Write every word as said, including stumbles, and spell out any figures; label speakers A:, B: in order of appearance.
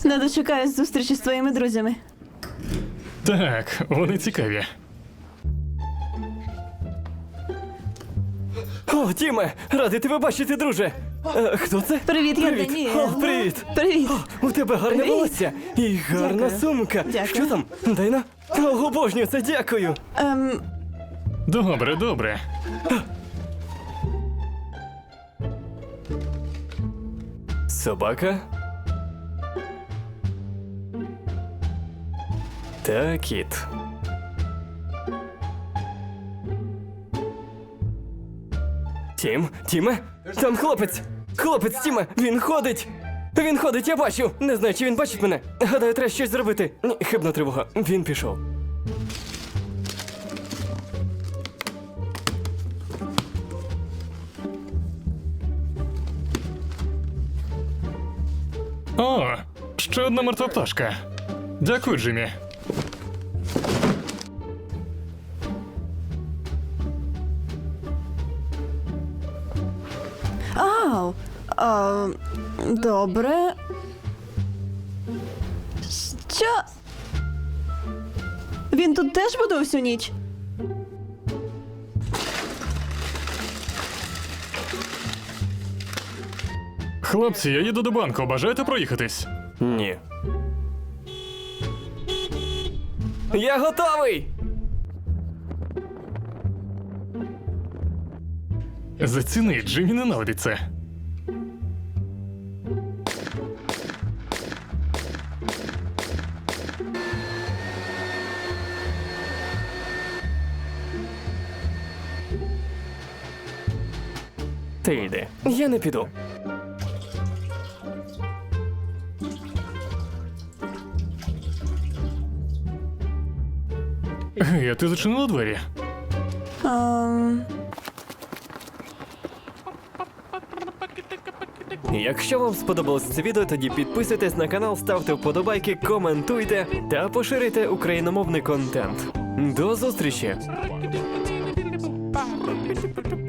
A: Не дочекаюсь зустрічі з твоїми друзями.
B: Так, вони цікаві.
C: О, Тіме! Радий тебе бачити, друже! Е, хто це?
A: Привіт, я
C: Привіт.
A: Даніел.
C: О, привіт!
A: Привіт.
C: У тебе гарне
A: Привіт.
C: волосся і гарна
A: Дякую.
C: сумка.
A: Дякую.
C: Що там? Дай на. О, обожнюю це, дякую.
A: Ем,
B: Добре, добре.
C: Собака? Та кіт. Тім, Тіме? Там хлопець! Хлопець, Тіме! Він ходить! Він ходить, я бачу! Не знаю, чи він бачить мене. Гадаю, треба щось зробити. Ні, хибна тривога. Він пішов.
B: О, ще одна мертва пташка. Дякую, Джиммі.
A: ау. А, добре. Що? Він тут теж буде всю ніч?
B: Хлопці, я їду до банку, бажаєте проїхатись?
C: Ні. Я готовий!
B: Заціни, Джиммі ненавидить це.
C: Ти йди. Я не піду.
B: Гей, а ти зачинила двері?
A: Ем,
C: Якщо вам сподобалось це відео, тоді підписуйтесь на канал, ставте вподобайки, коментуйте та поширюйте україномовний контент. До зустрічі!